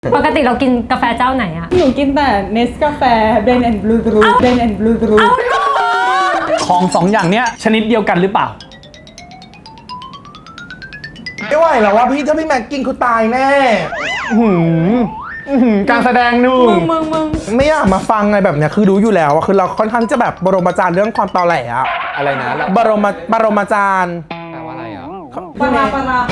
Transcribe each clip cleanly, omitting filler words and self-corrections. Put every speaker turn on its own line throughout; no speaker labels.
ปกติเรากินกาแฟเจ้าไหนอะ
หนูกินแต่เนสกาแฟเบนแอนด์บลูเบนแอนด์บลู
ของสองอย่างเนี้ยชนิดเดียวกันหรือเปล่า
ไม่ไหวแล้วว่าพี่ถ้าพี่แม็กกินคือตายแน่
การแสดงนุ่ม
มึง
ไม่อยากมาฟังไงแบบเนี้ยคือรู้อยู่แล้วว่าคือเราค่อนข้างที่จะแบบบรมจารย์เรื่องความตอแหลอะ
อะไรนะ
บรมจารย์
แปลว่าอะไรอ่ะ
ปลาปลา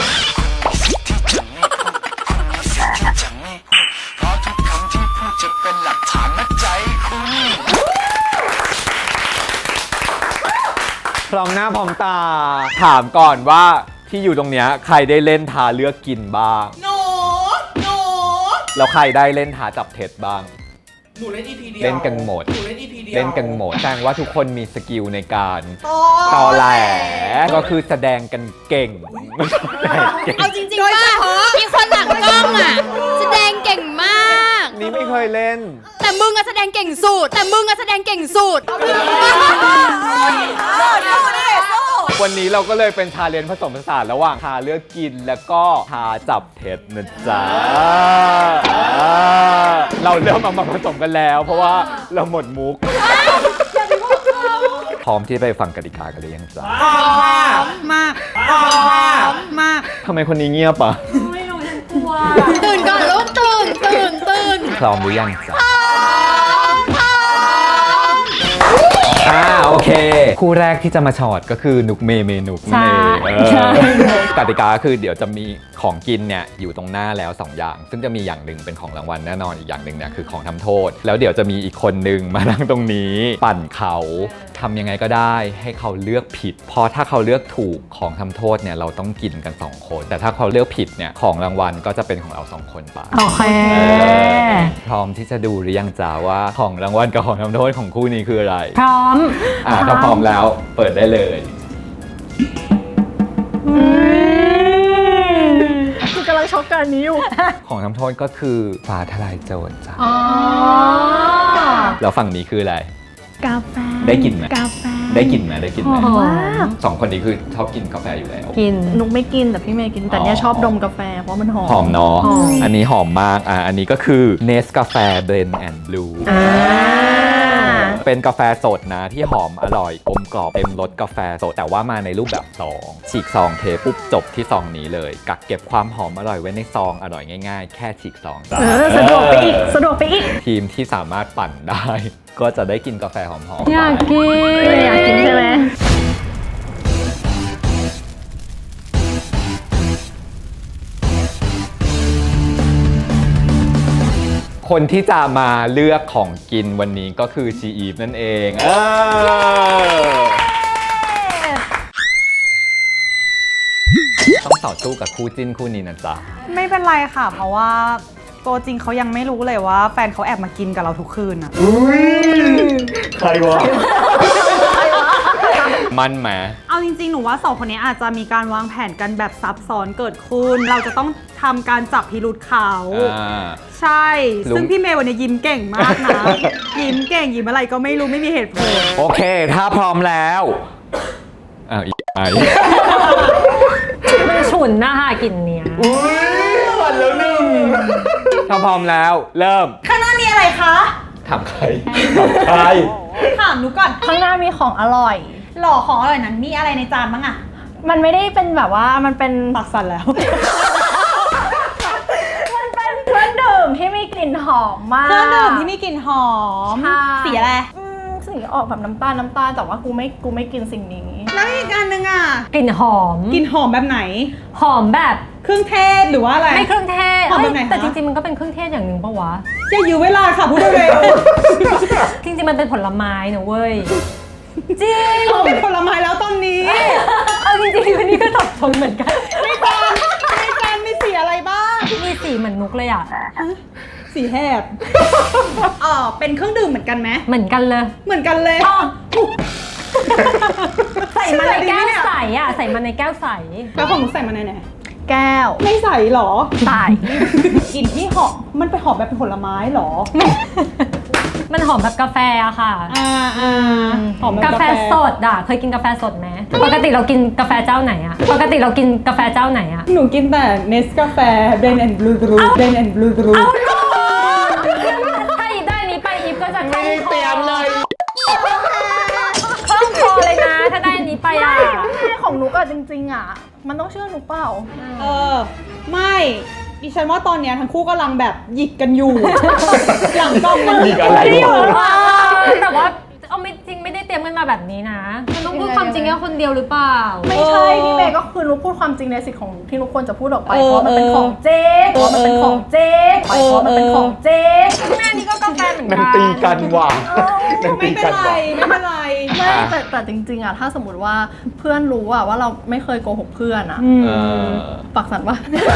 พร้อมหน้าพร้อมตา ถามก่อนว่าที่อยู่ตรงเนี้ยใครได้เล่นทาเลือกกินบ้างหนูแล้วใครได้เล่นทาจับเท็จบ้าง
หนูเล่น EP เดียว
เล่นกันหมด
หนูเล่น EP เดียว
เล่นกันหมดแสดงว่าทุกคนมีสกิลในการตอแหลก็คือแสดงกันเก่ง
เอาจริงๆว่ามีคนหลังกล้องอ่ะแสดงเก่งมาก
นี่ไม่เคยเล่น
แต่มึงอะแสดงเก่งสุด
วันนี้เราก็เลยเป็นชาเลนจ์ผสมผสานระหว่างทาเลือกกินแล้วก็ทาจับเท็จนะจ๊ะเราเริ่มเอามาผสมกันแล้ว เพราะว่าเราหมดมุก พร้อมที่จะไปฟังกติกากันหรือยังจ๊ะ
มากมาก
ทำไมคนนี้เงียบอ่ะ
ไม่รู้ฉันกลัว
ตื่นก่อนลูกตื่น
พร้อมหรือยังจ๊ะโอเคคู่แรกที่จะมาช็อตก็คือนุกเมย์นุกนั่นเองกติกาคือเดี๋ยวจะมีของกินเนี่ยอยู่ตรงหน้าแล้ว2อย่างซึ่งจะมีอย่างหนึ่งเป็นของรางวัลแน่นอนอีกอย่างหนึ่งเนี่ยคือของทำโทษแล้วเดี๋ยวจะมีอีกคนนึงมานั่งตรงนี้ปั่นเขาทำยังไงก็ได้ให้เขาเลือกผิดเพราะถ้าเขาเลือกถูกของทำโทษเนี่ยเราต้องกินกัน2คนแต่ถ้าเขาเลือกผิดเนี่ยของรางวัลก็จะเป็นของเรา2คนไป
โอเค
พร้อมที่จะดูหรือยังจ๊ะว่าของรางวัลกับของทำโทษของคู่นี้คืออะไร
พร้อม
ถ้าพร้อมแล้วเปิดได้เลย
คือกำลังช็อกกันนี้อยู่
ของทำโทษก็คือฟ้าทลายโจรจ้ะ
อ๋อ
แล้วฝั่งนี้คืออะไร
กาแฟ
ได้กลิ่นไหม
กาแฟ
ได้กลิ่นไหมได้กลิ่นไหม
ว้า
สองคนนี้คือชอบกินกาแฟอยู่แล้ว
กิน
นุกไม่กินแต่พี่เมย์กินแต่เนี่ยชอบดมกาแฟเพราะมันหอม
หอมเนาะ
หอม
อันนี้หอมมากอันนี้ก็คือเนสกาแฟเบรนแอนด์บลูเป็นกาแฟสดนะที่หอมอร่อยกลมกล่อมเต็มรสกาแฟสดแต่ว่ามาในรูปแบบซองฉีกซองเทปุ๊บจบที่ซองนี้เลยกักเก็บความหอมอร่อยไว้ในซองอร่อยง่ายๆ แค่ฉีกซองจ้ะ
สะดวกไปอีกสะดวกไปอีก
ทีมที่สามารถปั่นได้ ก็จะได้กินกาแฟหอมๆ
อยากกิน
อยากกินใช่ไหม
คนที่จะมาเลือกของกินวันนี้ก็คือชีอีฟนั่นเองต้องต่อสู้กับคู่จิ้นคู่นี้นะจ๊ะ
ไม่เป็นไรค่ะ เพราะว่าตัวจริงเขายังไม่รู้เลยว่าแฟนเขาแอบมากินกับเราทุกคืนอะ
ใครวะ มันแหม
เอาจริงๆ หนูว่าสองคนนี้อาจจะมีการวางแผนกันแบบซับซ้อนเกิดขึ้น เราจะต้องทำการจับพิรุธเขา ใช่
ลุง
ซึ่งพี่เมย์วันนี้ยิ้มเก่งมากนะ ยิ้มเก่งยิ้มอะไรก็ไม่รู้ไม่มีเหตุผล
โอเค ถ้าพร้อมแล้วอีกไอ
มันฉุนนะคะกลิ่นเนี้ย
หวันแล้วหนึ่งถ้าพร้อมแล้ว เริ่ม
ข้างหน้ามีอะไรคะ
ถามใครถามใคร
ถามหนูก่อน
ข้างหน้ามีของอร่อย
หล่อของอร่อยนั้นมีอะไรในจานบ้างอะ
มันไม่ได้เป็นแบบว่ามันเป็น
ปักสันแล้ว
มันเป็นเครื่องดื่มที่มีกลิ่นหอมมาก
เครื่องดื่มที่มีกลิ่นหอม
ใช่
สีอะไร
สีออกแบบน้ำตาลแต่ว่ากูไม่กินสิ่งนี้
แล้วอีกอันนึงอะ
กลิ่นหอม
กลิ่นหอมแบบไหน
หอมแบบ
เครื่องเทศหรือว่าอะไร
ไม่เครื่องเทศ
หอมแบบไหนคะ
แต่จริงๆมันก็เป็นเครื่องเทศอย่างหนึ่งปะวะ
อย่ายื้อเวลาค่ะพูดเร็ว
จริงๆมันเป็นผลไม้นะเว้ย จริง
ๆเขาเป็นผลไม้แล้วตอนนี้
เอาจริงๆวันนี้ก็สับสนเหมือนกัน
ในจานมีสีอะไรบ้าง
มีสีเหมือนนุกเลยอ่ะ
สีแหบเป็นเครื่องดื่มเหมือนกันไหม
เหมือนกันเลย
เหมือนกันเลย
อ้อใส่มาในแก้ว
เชื่อได้ไหมเนี่ย
ใสอ่ะ ใส่มาในแก้วใส
แล้วของหนูใส่มาในไหน
แก้ว
ไม่ใส่หรอ
ใส่
กลิ่นที่หอมมันไปหอมแบบเป็นผลไม้หรอ
มันหอมแบบกาแฟอะค่ะ
หอมแบบ
กาแฟสดอะเคยกินกาแฟสดไหมปกติเรากินกาแฟเจ้าไหนอะปกติเรากินกาแฟเจ้าไหนอะ
หนูกินแต่เนสกาแฟเบนแอนด์บลูกรูเบนแอนด์บลูกรู
ถ้าอีฟได้นี้ไปอีฟก็จะ
ไม่ได้เตรียมเลย
คล่องคอเลยนะถ้าได้นี้ไปอะ
ของหนูก็จริงๆอ่ะ มันต้องเชื่อหนูเปล่า
ไม่ดิฉันว่าตอนเนี้ยทั้งคู่กำลังแบบหยิกกันอยู่ หลังกล้องมัน
หยิกอะไรอยู่
แต่ว่าเอาไม่จริงไม่ได้เตรียมกันมาแบบนี้นะมันต้องพูดความจริงแค่คนเดียวหรือเปล่า
ไม่ใช่พี่เมย์ก็คือหนูพูดความจริงในสิทธิ์ของหนูที่หนูควรจะพูดออกไปเพราะมันเป็นของเจ๊เพราะมันเป็นของเจ๊เพราะมันเป็นของเจ๊
แม่นี่ก็กาแฟเหมือน
นั
กั
งตีกันว่ะนังตี
ไม่เป็
กัน น
ไร
ว่ะ
ไม่เป็นไร
ไม่แต่จริงๆอ่ะถ้าสมมติว่าเพื่อนรู้อ่ะว่าเราไม่เคยโกหกเพื่อนอ่ะ
เออ
ปากสั่นว่า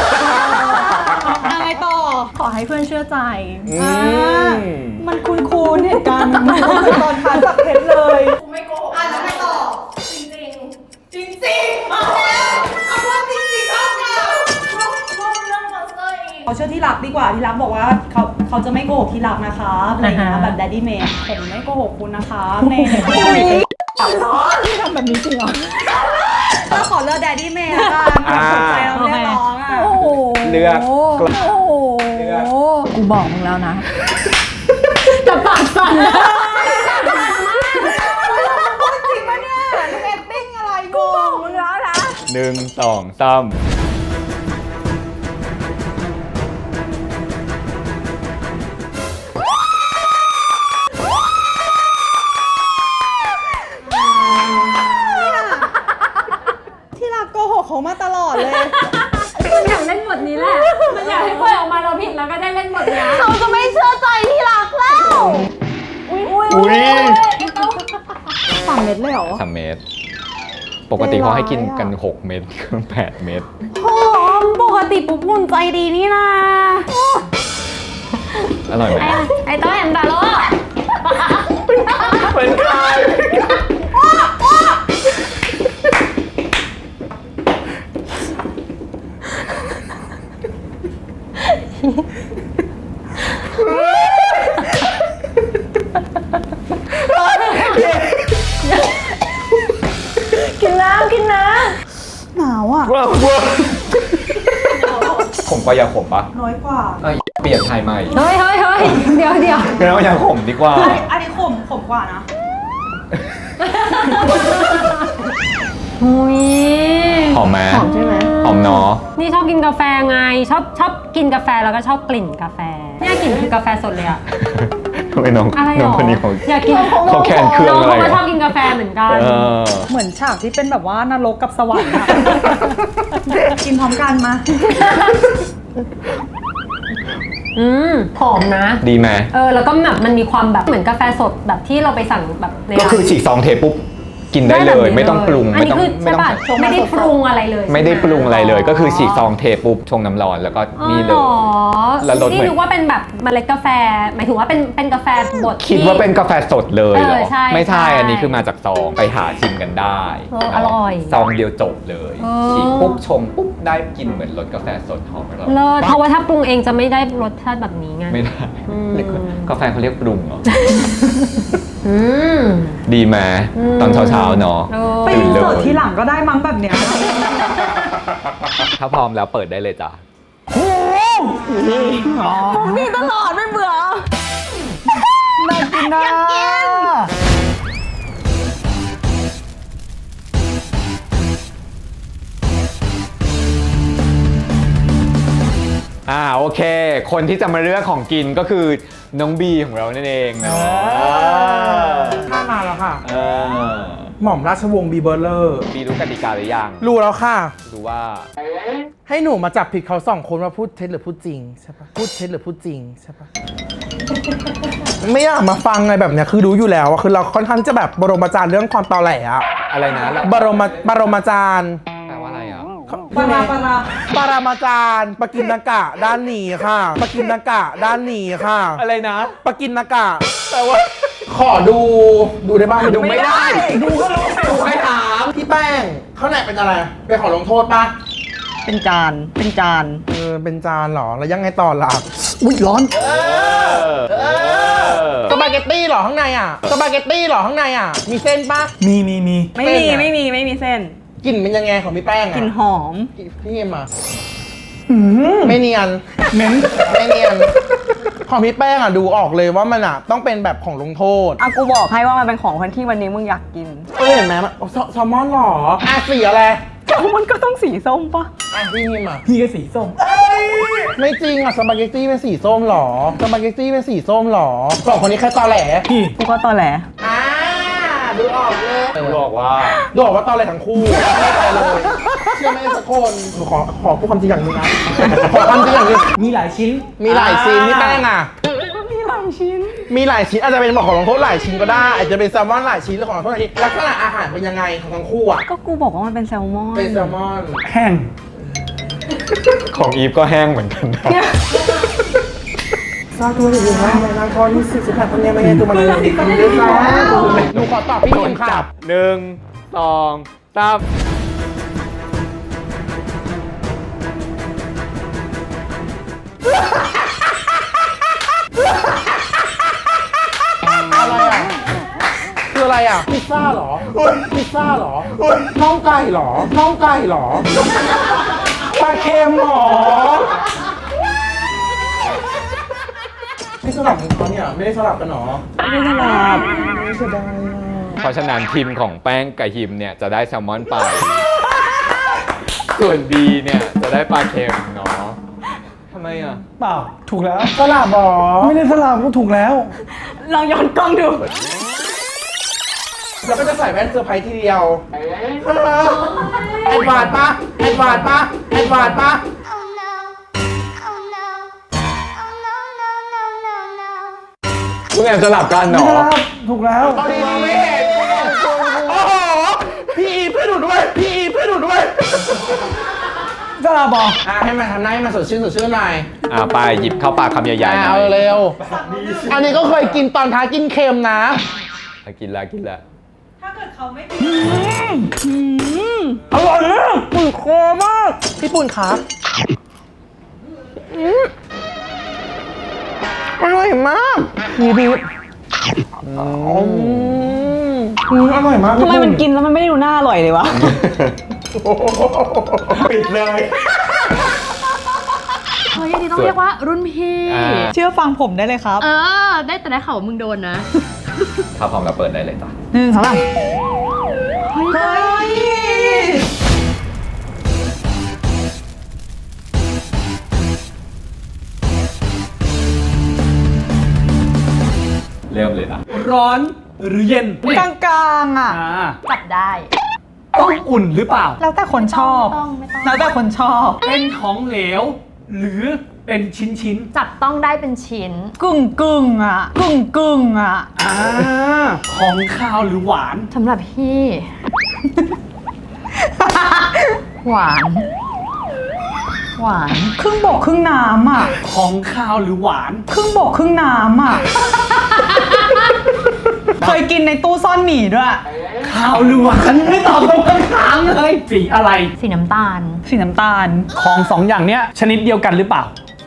อะไรต่อ
ขอให้เพื่อนเชื่อใจ
มันคุ้นๆเหตุการณ์มันคือตอนท้ายจับเพชรเลย
กูไม่โกหกอ่ะแล้วไม่ต่อจริงๆจริงๆมาแล้วเอาว่าจริงๆเอาค่ะร่วมเรื่องมอนสเตอร์อีก
เขาเชื่อที่รักดีกว่าที่รักบอกว่าเขาจะไม่โกหกที่รักนะคะอะไรอย่างเงี้ยแบบแดดดี้เมย์ผมไม่โกหกคุณนะคะเมย์ที่ทำแบบนี้จริงเหรอก็ขอเลือกแดดดี้เมย์ละกันสนใจเราเรียกร้องอ่ะ
โอ้โห
เลือก
โอ้โหกูบอกมึงแล้วนะ
แต่ปากสั่น
จริงปะเนี่ยเอตติ้งอะไรกู
มึงแล้วนะ
1 2 3
ที่รักโกหกเขามาตลอดเลย
มันอยากเล่นบทนี้แหละมันอยากให้ปล่อยออกมาเราผิดแล้วก็ได้เล่นบทเนี้ย
เขาจะไม่เชื่อใจที่รักแล้ว
อุ้ย
3 เม็ดเลยเหรอ
3 เม็ดปกติเขาให้กินกัน 6 เม็ด 8 เม็ด
หอมปกติปุ๊บอุ่นใจดีนี่นะ
อร่อยไหม
ไอ้ต้อยแอมดาโล
เป็นใคร
กินน้ำกินน้
หนาวอ่ะ
ว้าว
ผมก็ยาขมปะ
น้อยกว่า
เอ้ยเปลี่ยนไทยใหม่
เฮ้ยเดี๋ยว
งั้นเอายาขมดีกว่า
อันนี้ขมกว่านะ
หุย
หอมไหม
ำหอมใช่ไหม
หอมเนาะ
นี่ชอบกินกาแฟไงชอบกินกาแฟแล้วก็ชอบกลิ่นกาแฟเนี่ยกลิ่นคือกาแฟสดเลยอะ
ทำไมน้อง
อะไรหร
น้อง
อ
คนนี้เขา
อยากกิน
เขาแคนเครื่อง
น้อง
อะไร
เขาก็ชอบ
อะ
กินกาแฟเหมือนกัน
เออ
เหมือนฉากที่เป็นแบบว่านรกกับสวรรค์อะกินพร้อมกันมา
หอมนะ
ดีไหม
แล้วก็แบบมันมีความแบบเหมือนกาแฟสดแบบที่เราไปสั่งแบบใน
ก็คือฉีกซองเทปุ๊บกินได้เลย ไม่ต้องปรุง
อัน
ไม่
นี้
ต้อง
คือ
ไม่
ใช่
ต้อง
ป่ะไม่ได้ปรุงอะไรเลย
ไม่ได้ปรุงอะไรเลย ก็คือฉีกซองเทปุ๊บชงน้ำร้อนแล้วก็นี่เลย แล้วรสเหมือน
นี่นึกว่าเป็นแบบเมล็ดกาแฟหมายถึงว่าเป็นกาแฟบด
คิดว่าเป็นกาแฟสดเลยเหรอ
ใช่
ไม่ใช่
ใช่
อันนี้คือมาจากซองไปหาชิมกันได้
อร่อย
ซองเดียวจบเลย
เออ
ฉีกปุ๊บชงปุ๊บได้กินเหมือนรสกาแฟสดหอมอร่อย
เลิศเพราะว่าถ้าปรุงเองจะไม่ได้รสชาติแบบนี้ไง
ไม่ได้
อืม
เรียกกาแฟเขาเรียกปรุงเหรอ
อืม
ดีไหม
อืม
ตอนเช้าๆเนาะ
เออ
ไป
ตื่น
รี
เล
เสิร์ช
ย
ทีหลังก็ได้มั้งแบบเนี้ย
ถ้าพร้อมแล้วเปิดได้เลยจ้ะ
นี่ตลอดไม่เบื่อน่ากินนะอยากกิน
โอเค คนที่จะมาเลือกของกินก็คือน้องบีของเรานั่นเองเนาะ
ข้ามาแล้วค่ะ
เออ
หม่อมราชวงศ์บีเบอร์เลอร์
บีรู้กติกาหรือยัง
รู้แล้วค่ะ
รู้ว่า
ให้หนูมาจับผิดเขาสองคนว่าพูดเท็จหรือพูดจริงใช่ปะพูดเท็จหรือพูดจริงใช่ปะ ไม่อยากมาฟังไงแบบเนี้ยคือรู้อยู่แล้วว่าคือเราค่อนข้างที่จะแบบบรมอาจารย์เรื่องความตอแหลอะ
อะไรนะ
บรมอาจารย์
แปลว่าอะไรอ่ะ
ปารา
ปรามาจารย์ปกินนากะด้านหนีค่ะปกินนากะด้านหนีค่ะ
อะไรนะ
ปกินนากะแปลว่า ขอดูได้บ้าง
ดูไม่ได้
ดูก็รู้ดูให้ถามพี่แป้งเขาไหนเป็นอะไรเป็นขอลงโทษปะ
เป็นจาน เป็นจาน
เป็นจานเหรอแล้วยังไงต่อล่ะอุ้ยร้อนสปาเกตตี้เหรอข้างในอ่ะสปาเกตตี้เหรอข้างในอ่ะมีเส้นปะ
มี
ไม่มีไม่มีเส้น
กลิ่นเป็นยังไงของพี่แป้งอ่ะ
กลิ่นหอม
พี่เอ็มอ่ะไม่เนียน
เหม็น
ไม่เนียนของพี่แป้งอ่ะดูออกเลยว่ามันอ่ะต้องเป็นแบบของลงโทษ
อ่ะกูบอกให้ว่ามันเป็นของคนที่วันนี้มึงอยากกิน
เห็นไหมมันแซลมอนเหรออ่ะสีอะไร
มันก็ต้องสีส้มปะ
อ่ะพี่เอ็มอ่ะ
พี่ก็สีส้ม
ไม่จริงอ่ะสปาเกตตี้เป็นสีส้มเหรอสปาเกตตี้เป็นสีส้มเหรอสองคนนี้แค่ตอแหล
พี่
กูก็ตอแหล
ดูออกเลย
บอกว่า
ดูออกว่าตอแหลทั้งคู่ไม่อะไรเลยเชื่อไหมสักคนหนูขอพูดความจริงอย่างหนึงนะขอความจริงอย่างหนึง
มีหลายชิ้น
มีหลายซีนพี่แป้งอ่ะ
มีหลายชิ้น
มีหลายชิ้นอาจจะเป็นของลงโทษหลายชิ้นก็ได้อาจจะเป็นแซลมอนหลายชิ้นหรือของลงโทษหลายชิ้นลักษณะอาหารเป็นยังไงของทั้งคู่อ่ะ
ก็กูบอกว่ามันเป็นแซลมอน
เป็นแซลมอน
แห้ง
ของอีฟก็แห้งเหมือนกันนะ
ซาตัวอยู่นะในนางคอนี่48คนเนี่ยไม่ใช่ตัวมันเลยหนูขอตอบพี่เอ็มค่ะ
1 2 3
อะไรอ่ะคืออะไรอ่ะพิซซ่าเหรอพิซซ่าเหรอน่องไก่เหรอน่องไก่เหรอปลาเค็มเหรอไม่สลับกันเขาเนี่ยไม่ได้สลับกันหรอไม่สลับไม่เสียดาย
เพราะฉะนั้นทีมของแป้งกับฮิมเนี่ยจะได้แซลมอนไป ส่วนบีเนี่ยจะได้ปลาเค็มเนาะทำไมอ่ะ
เปล่า ถูกแล้ว
สลับหรอ
ไม่ได้สลับก็ถูกแล้ว
ลองย้อนกล้องดู
แล้วก็จะใส่แว่นเซอร์ไพรส์ทีเดียวแอดวานซ์ปะแอดวานซ์ปะแอดวานซ์ปะ
มึงแอบสลับกันเหรอ
ถูกแล้ว
ตอนนี้ไม่เห็นโอ้โหพี่อีเพื่อนหนูด้วยพี่อีเพื่อนหนูด้วย
สลับบอก
ให้มันทำหน้าให้มันสดชื่นหน่อย
ไปหยิบเข้าปากคำใหญ่ๆหน่
เอา
อย
เร็วอันนี้ก็เคยกินตอนท้ากินเค็มนะ
กินแล้วกินแล้ว
ถ้าเกิดเขาไม่
อร่อยนะ
ปุ่นโคมากพี่ปุ่นครับอร่อยมากดีดีอร่อยมาก
ทำไมมันกินแล้วมันไม่ได้ดูน่าอร่อยเลยวะ
ปิดเลย
เฮ้ยอันนี้ต้องเรียกว่ารุ่นพี่
เชื่อฟังผมได้เลยครับ
ได้แต่ได้ข่าวว่ามึงโดนนะ
ถ้าพร้อมแล้วเปิดได้เลยจ้ะ
1 2 3
เฮ้ย
เริ่มเลยนะ
ร้อนหรือเย็น
กลางๆอ่ะ
จับได้
ต้องอุ่นหรือเปล่า
แล้วแต่คนชอบ
ไม่ต้อง
แล้วแต่คนชอบ
เป็นของเหลว หรือเป็นชิ้น
จับต้องได้เป็นชิ้น
กึ่งอ่ะ กึ่งอ่ะ
ของคาวหรือหวาน
สำหรับพี่ หวาน หวาน
ครึ่งบกครึ่งน้ำอ่ะ
ของคาวหรือหวาน
ครึ่งบกครึ่งน้ำอ่ะ เคยกินในตู้ซ่อนหมี่ด้วย
คาวหรือหวานไม่ตอบตรงคำถามเลยสีอะไร
สีน้ำตาล
สีน้ำตาล
ของสองอย่างเนี้ยชนิดเดียวกันหรือเปล่า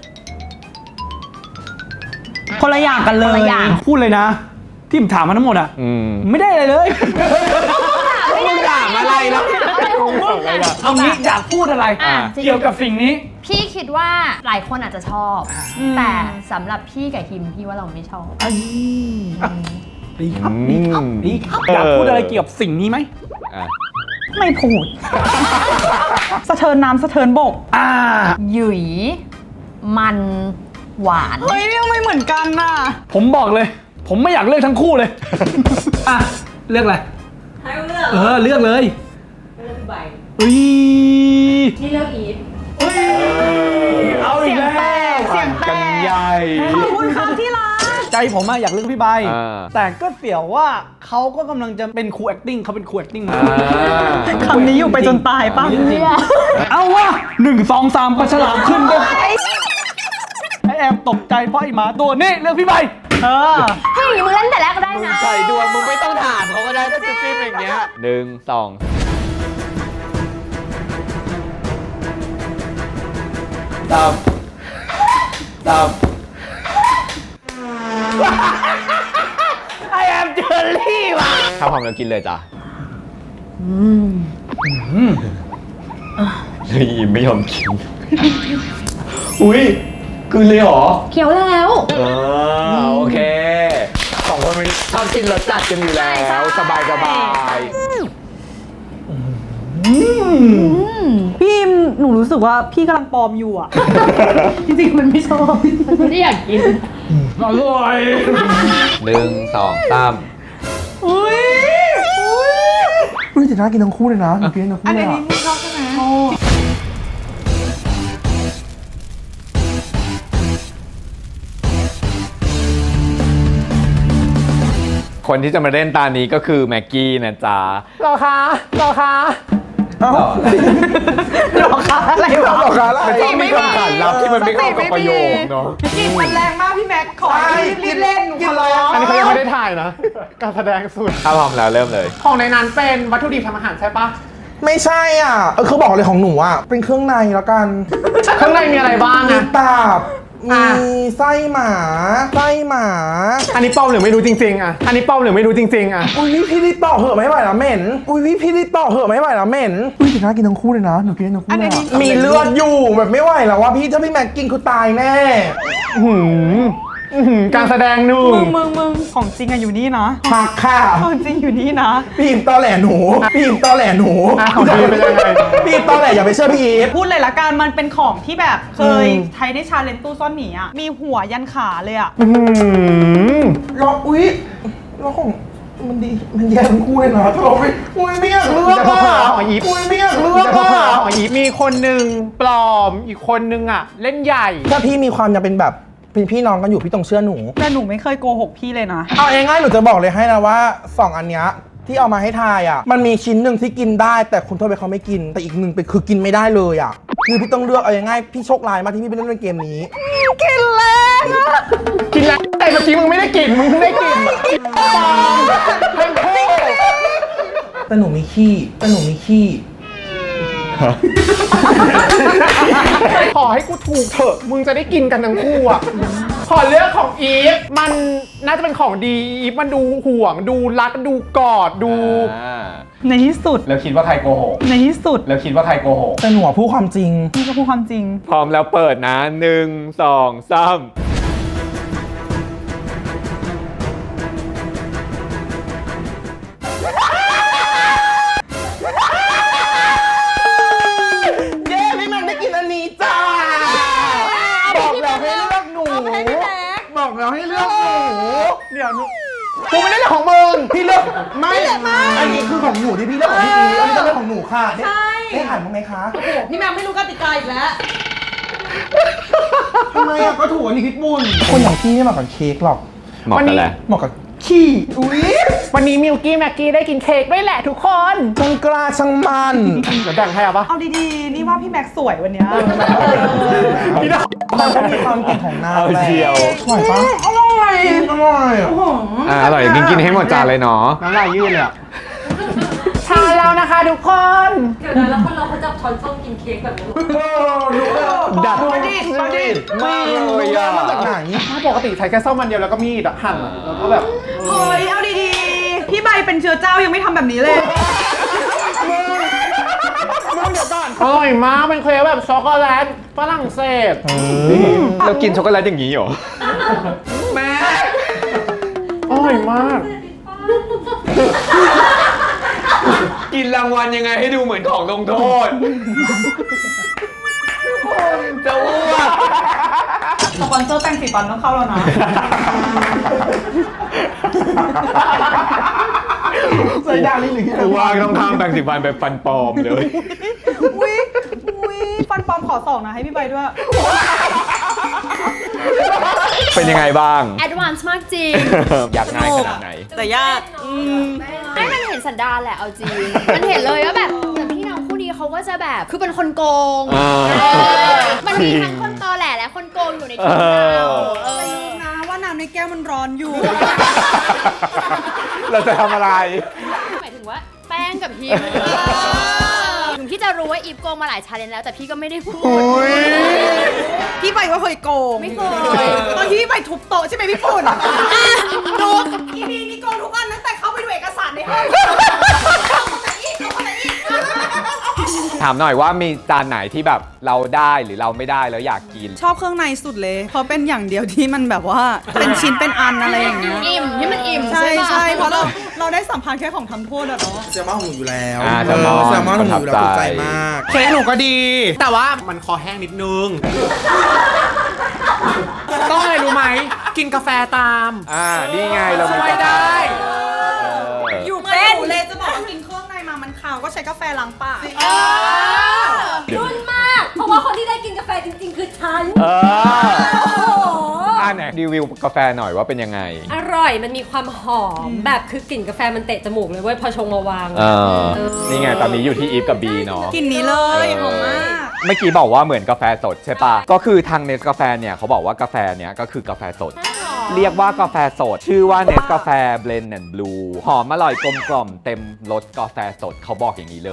คนละอย่างกันเล
คน
ย
ละอย่าง
พูดเลยนะ ที่ผมถามมาทั้งหมดอ่ะ ไม่ได้อะไรเลย
ไม่ได้ถามอะไรแล้วอะไรของมึงอ่ะ
เอางี้อยากพูดอะไร
จริง
เกี่ยวกับสิ่งนี้
พี่คิดว่าหลายคนอาจจะชอบ แต่สำหรับพี่กับฮิมพี่ว่าเราไม่ชอบ
ดีครับดีครับดีครับอยากพูดอะไรเกี่ยวกับสิ่งนี้ไหม
ไม่พูด สะเทินน้ำสะเทินบก
หยุย มัน หวาน
เฮ้ยทำไมเหมือนกันน่ะ
ผมบอกเลย ผมไม่อยากเลือกทั้งคู่เลย อ่ะ เลือกอะไร
ให้เลือก
เลือกเลย
เลือกใบ
อุ้ย
นี่เลือกอีฟ
เอาอีกแล้ว
เสียงแต
กัน
ก
ใหญ่
ขอบคุณครับที่รัก
ใจผมอะอยากเลือกพี่ใบ
อ่า
แต่ก็เสี่ยวว่าเขาก็กำลังจะเป็นครู acting เขาเป็นครู acting มา
คำนี้อยู่ไปจนตายป่ะ
เอาวะ1 2 3ปลาฉลามขึ้นด้วยไอแอมตกใจเพราะไอหมาตัวนี้เลือกพี่ใบ
เฮ้ยมึงเล่นแต่แรกก็ได้นะ
ใส่ดวงมึงไม่ต้องถามเขาก็ได้ถ้าจะจิ้มอย่างเงี้ย1 2 3
มเจอรี่ว่ะ
ถ้าพร้อมแล้วกินเลยจ้ะเฮ้ยไม่ยอมกิน อุ้ยกินเลยเหรอ
เคี้ยวแล้ว
โอเคสองคนมันชอบกินรสจัดกันอยู่แล้วสบาย
พี่อิมหนูรู้สึกว่าพี่กำลังปลอมอยู่อ่ะ จริงๆมันไม่ชอบ
ไม่ได้อยากกิน
อร่อย
1 2 3
อุ้ย
แต่น่ากินทั้งคู่เลยนะหนูกินทั้งคู่
อัน
เลย
นี้
อะ
พี่ชอบใช่ไหม
คนที่จะมาเล่นตานี้ก็คือแม็กกี้นะจ๊ะ
หรอคะ
เอ้า
หรอคะอะไรวะ
หรอคะอะไร
มันต้องมีคำขานลับที่มันไม่เข้ากับประโยคเนาะ
กลิ่นมันแรงมากพี่แม็กขอรีบเล่นหนูขอร้อง
อันนี้เขายังไม่ได้ถ่ายนะ การแสดงสุด
ถ้าพร้อมแล้วเริ่มเลย
ของในนั้นเป็นวัตถุดิบทำอาหารใช่ปะ
ไม่ใช่อ่ะคือบอกเลยของหนูอ่ะเป็นเครื่องในแล้วกัน
ข้างในมีอะไรบ้าง
มี
อะ
ตับมีไส้หมาไส้หมา
อันนี้ป้อมหรือไม่รู้จริงๆอะอันนี้ป้อมหรือไม่รู้จริงๆอะ
อุ้ยพี่รีบต่อเหอะไม่ไหวแล้วเหม็นอุ้ยพี่รีบต่อเหอะไม่ไหวแล้วเหม็นอุ้ยแต่น่ากินทั้งคู่เลยนะหนูกินทั้งคู่เลยอะมีเลือดอยู่แบบไม่ไหวแล้วว่าพี่ถ้าพี่แม็กกินคือตายแน่
การแสดงหนึ่ง
มึงของจริงอะอยู่นี่นะ
หักค่ะ
ของจริงอยู่นี่นะ
พี่อิมตอแหลหนูพี่อิมตอแหลหนู
ของดีเป็นยังไง
พี่อิมตอแหลอย่าไปเชื่อพี่อีฟ
พูดเลยละกันมันเป็นของที่แบบเคยใช้ในชาเลนจ์ตู้ซ่อนหมีอะมีหัวยันขาเลยอะ
รออุ้ยรอของมันดีมันแย่ทั้งคู่เลยนะถ้าเราไม่อุ้ยไม่อยากเลือกอ่ะ
ของอีฟ
อุ้ยไม่อยากเลือกอ่ะ
ของอีฟมีคนหนึ่งปลอมอีกคนหนึ่งอะเล่นใหญ่
ถ้าพี่มีความจะเป็นแบบเป็นพี่น้องกันอยู่พี่ต้องเชื่อหนู
แต่หนูไม่เคยโกหกพี่เลยนะ
เอาง่ายๆหนูจะบอกเลยให้นะว่าสองอันเนี้ยที่เอามาให้ทายอ่ะมันมีชิ้นหนึ่งที่กินได้แต่คุณโทษไปเขาไม่กิน แต่อีกหนึ่งเป็นคือกินไม่ได้เลยอ่ะคือพี่ต้องเลือกเอาง่ายๆพี่โชคร้ายมากที่พี่ไปเล่นเกมนี้
กินแรงอะ
กินแล้วแต่เมื่อกี้มึงไม่ได้กินมึงเพิ่งได้กินปลอมทั้งคู่
แต่หนูมีขี้
ขอให้กูถูกเถอะมึงจะได้กินกันทั้งคู่อ่ะขอเลือกของอีฟมันน่าจะเป็นของดีอีฟมันดูห่วงดูรักดูกอดดู
ในที่สุด
แล้วคิดว่าใครโกหก
ในที่สุด
แล้วคิดว่าใครโกหก
แต่หนูอะพูดความจริง
พี่ก็พูดความจริง
พร้อมแล้วเปิดนะ 1 2 3
เย้พี่แม็กได้กินอันนี้จ้าบอกแล้วให้เลือกหนูบอกแล้วให้เลือกหนู
เดี๋ยวกูไม่ได้เลือกของมึง
พี่เลือกไม่อันนี้คือของหนูที่พี่เลือกของพี่อีฟอันนี้ต้องเป็นของหนูค่ะได้อ่านบ้างไหมคะ
พี่แม็กไม่รู้กติกาอีกแล้ว
ทำไมอ่ะก็ถูกอันนี้พิษบุญคนอย่างพี่ไม่เหมาะกับเค้กหรอก
เหมาะกันแหละ
เหมาะกับขี้อุ้ย
วันนี้มิวกี้แม็กกี้ได้กินเค้กด้วยแหละทุกคน
ช่างกล้าช่างมัน
เดี๋ยวแบ่งให้เอาปะ
เอาดีๆ นี่ว่าพี่แม็กสวยวันเนี้ย
พี่น้อง
มันก็มีความเก่งของนาง
เอา
แหละ
เชียว
อร่อยปะอร่อยอร่อยอ่ะ
อร่อยกินให้หมดจานเลยเนาะ
น้ำลายยืดเลยอ่ะทานแล้วนะคะทุกคน
เดี๋ยวนะแล้วคนเราเขาจับช้อนส้อมกินเค้กแบบนี้
ดัด
ประดิษฐ์ประดิษฐ์
มากเลยอ่ะ
มาจากไหน
ปกติใช้แค่ซ่อมมันเดียวแล้วก็มีดอะหั่นอะแล้วก็แบบ
เฮ้ย เอาดีๆ พี่ใบเป็นเชื้อเจ้ายังไม่ทำแบบนี้เลย
อร่อยมากเป็นเค้กแบบช็อกโกแลตฝรั่งเศส
เรากินช็อกโกแลตอย่างนี้เหรอ แม่
อร่อยมาก
กินรางวัลยังไงให้ดูเหมือนของลงโทษ จะอ้วก
สปอนเซอร์แป้งสีฟันต้องเข้าแล้วนะ
ใส่ยาลิ้นหรือ
กูว่าต้องทำแปรงสีฟันแบบฟันปลอมเลย
อุ้ยฟันปลอมขอสองนะให้พี่ใบด้วย
เป็นยังไงบ้าง
แอดวานซ์มากจริง
อยากง่ายขนาดไหน
แต่ยาก
ให้มันเห็นสันดานแหละเอาจริง มันเห็นเลยว่าแบบเหมือนพี่น้องคู่นี้เขาก็จะแบบคือเป็นคนโกง
อ่า
มันมีทั้งคนตอแหลและคนโกงอยู่ในทีมเรา
ลืมนะว่าน้ำในแก้วมันร้อนอยู่
เราจะทำอะไร
หมายถึงว่าแป้งกับพิมถึงพี่จะรู้ว่าอีฟโกงมาหลายชาเลนจ์แล้วแต่พี่ก็ไม่ได้พูด
พี่ใบก็เคยโกง
ไม่เคย
ตอนที่พี่ใบทุบโต๊ะใช่ไหมพี่ปุ่นดูอีพีนี้โกงทุกอัน
ามหน่อยว่ามีจานไหนที่แบบเราได้หรือเราไม่ได้แล้วอยากกิน
ชอบเครื่องในสุดเลยเพราะเป็นอย่างเดียวที่มันแบบว่าเป็นชิ้นเป็นอันอะไรอย่างเงี้ย
อิ่มที่มันอิ่ม
ใช่
ปะ
ใช่เพราะเราได้สัมผัสแค่ของทำโทษอะเนาะ
แซลมอนของหนูอยู่แล้ว
แซลมอน
แซลมอนของหนูอยู่แล้ว
ประทั
ถู
บ
ก
ใจ
ใจมาก เค้กหนูก็ดี แต่ว่ามันคอแห้งนิดนึง ต้องอะไรรู้ไหม กินกาแฟตาม
นี่ไงเรามี
ช่วยได้
อยู่เป็นเลยจะบอกว่ากินเครื่องในมามันขาวก็ใช้กาแฟล้างปาก
รุ่นมาก เพราะว่าคนที่ได้กินกาแฟจริงๆ คือฉัน
เออ
โอ้โห
ไหนรีวิวกาแฟหน่อยว่าเป็นยังไง
อร่อย มันมีความหอม แบบคือกลิ่นกาแฟมันเตะจมูกเลยเว้ย พอชงมาวาง
นี่ไงตอนนี้อยู่ที่อีฟกับบีเนาะ
กินนี้เลยหอมมาก
เมื่อกี้บอกว่าเหมือนกาแฟสดใช่ปะก็คือทางเนสกาแฟเนี่ยเขาบอกว่ากาแฟเนี่ยก็คือกาแฟสด เรียกว่ากาแฟสด ชื่อว่าเนสกาแฟเบลนด์แอนด์บลูหอมอร่อยกลมกล่อมเต็มรสกาแฟสดเขาบอกอย่างนี้เลย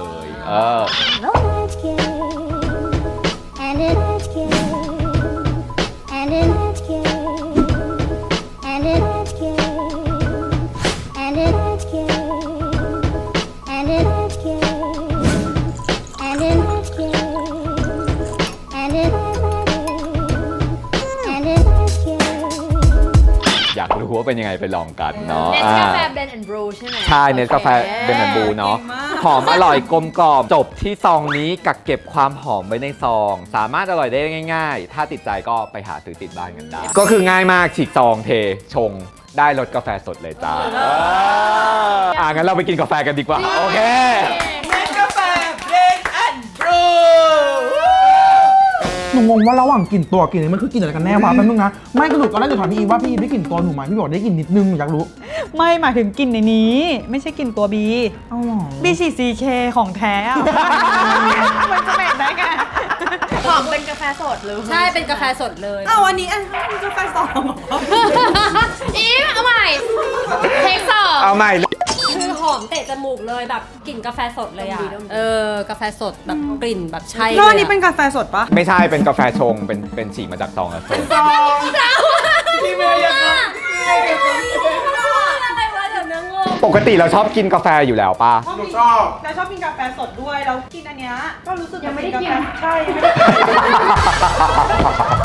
And it's cute. And it's cute. And it's cute. And it's cute. And it's cute. And it's cute. And it's And it's cute.
อยากรู้ว่าเป็นยังไงไปลองกันเนาะ
เนสกาแฟเบนแอนด์บรูใช่ไหม
ใช่เนสกาแฟเบนแอนด์บลูเนาะ
เก่งมาก
หอมอร่อยกลมกล่อมจบที่ซองนี้กักเก็บความหอมไว้ในซอง สามารถอร่อยได้ง่ายๆ ถ้าติดใจก็ไปหาซื้อติดบ้านกันได้ ก็คือง่ายมากฉีกซองเทชงได้รสกาแฟสดเลยจ้างั้นเราไปกินกาแฟกันดีกว่า โอเค
หนูงงว่าระหว่างกลิ่นตัวกลิ่นนี้มันคือกลิ่นอะไรกันแน่วะแป๊บนึงนะ ไม่กระดูกตอนแรกหนูถามพี่อีว่าพี่อีได้กลิ่นตัวหนูไหมพี่บอกได้กลิ่นนิดนึงหนูอยากรู้
ไม่หมายถึงกลิ่นในนี้ ไม่ใช่กลิ่นตัวบี
อ้าวเหรอ
บีฉีด CK ของแท้อะมันจะเหม็นได้ไง
หอมเป็นกาแฟสดเลย
ใช่ เป็นกาแฟสดเลย
เอาวันนี้มันกาแฟสอง
อีฟเอาใหม่เทคสอง
เอาใหม่
คือหอมเตะจมูกเลยแบบกลิ่นกาแฟสดเลยอ่ะ
ดมดี
กาแฟสดแบบกลิ่นแบบใช่
แล้วอัน
เลย
นี้เป็นกาแฟสดปะ
ไม่ใช่เป็นกาแฟชงเป็นฉีกมาจากซองแล้วชง
พี่เมย์ยังไงอะไรวะเดี๋ยวนะงง
ปกติเราชอบกินกาแฟอยู่แล้วป่ะ
หนูชอบ
แล้วชอบกินกาแฟสดด้วยแล้วกินอันเนี้ยก็รู้สึก
ยังไม่ได้กิน
ใช่ยังไม่ได้กิน